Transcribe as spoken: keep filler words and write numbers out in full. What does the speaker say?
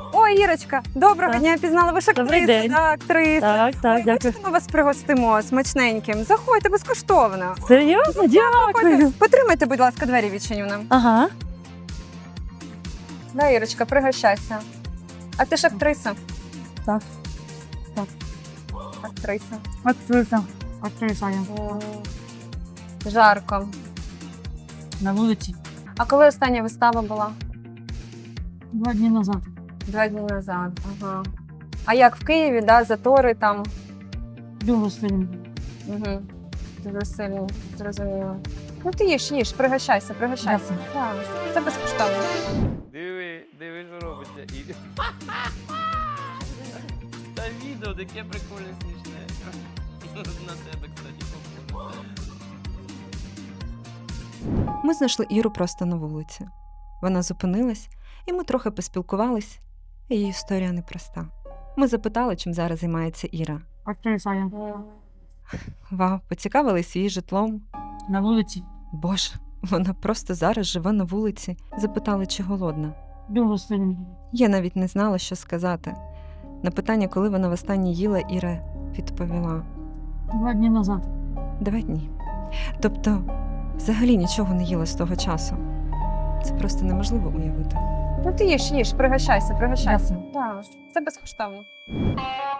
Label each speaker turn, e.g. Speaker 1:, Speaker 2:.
Speaker 1: Ой, Ірочка, доброго
Speaker 2: Так.
Speaker 1: дня, пізнала. Ви ж
Speaker 2: Добрий
Speaker 1: актриса,
Speaker 2: день.
Speaker 1: да, актриса.
Speaker 2: Так, так,
Speaker 1: Ой,
Speaker 2: дякую.
Speaker 1: хочете, ми вас пригостимо смачненьким. Заходьте безкоштовно.
Speaker 2: Серйозно? Дякую.
Speaker 1: Потримайте, будь ласка, двері відчиню нам.
Speaker 2: Ага.
Speaker 1: Да, Ірочка, пригощайся. А ти ж актриса?
Speaker 2: Так.
Speaker 1: Актриса.
Speaker 2: Актриса. Актриса я.
Speaker 1: М, Жарко.
Speaker 2: На вулиці.
Speaker 1: А коли остання вистава була?
Speaker 2: Два дні назад.
Speaker 1: Два дні назад. Ага. А як в Києві, да, затори там?
Speaker 2: Дуже сильно.
Speaker 1: Угу. Дуже сильно, зрозуміло. Ну ти їж, їж, пригощайся, пригощайся. Так, це безкоштовно.
Speaker 3: Диви, диви, що робиться. І... Та відео таке прикольне, смішне. На тебе, кстати, похоже.
Speaker 4: Ми знайшли Іру просто на вулиці. Вона зупинилась, і ми трохи поспілкувались. Її історія непроста. Ми запитали, чим зараз займається Іра.
Speaker 2: Актриса я.
Speaker 4: Вау, поцікавились її житлом.
Speaker 2: На вулиці.
Speaker 4: Боже, вона просто зараз живе на вулиці. Запитали, чи голодна.
Speaker 2: Дуже сильно.
Speaker 4: Я навіть не знала, що сказати. На питання, коли вона востаннє їла, Іра відповіла:
Speaker 2: Два дні назад.
Speaker 4: два дні. Тобто, взагалі нічого не їла з того часу. Це просто неможливо уявити.
Speaker 1: Ну ти їж, їж, пригощайся, пригощайся.
Speaker 2: Дякую.
Speaker 1: Так, це безкоштовно.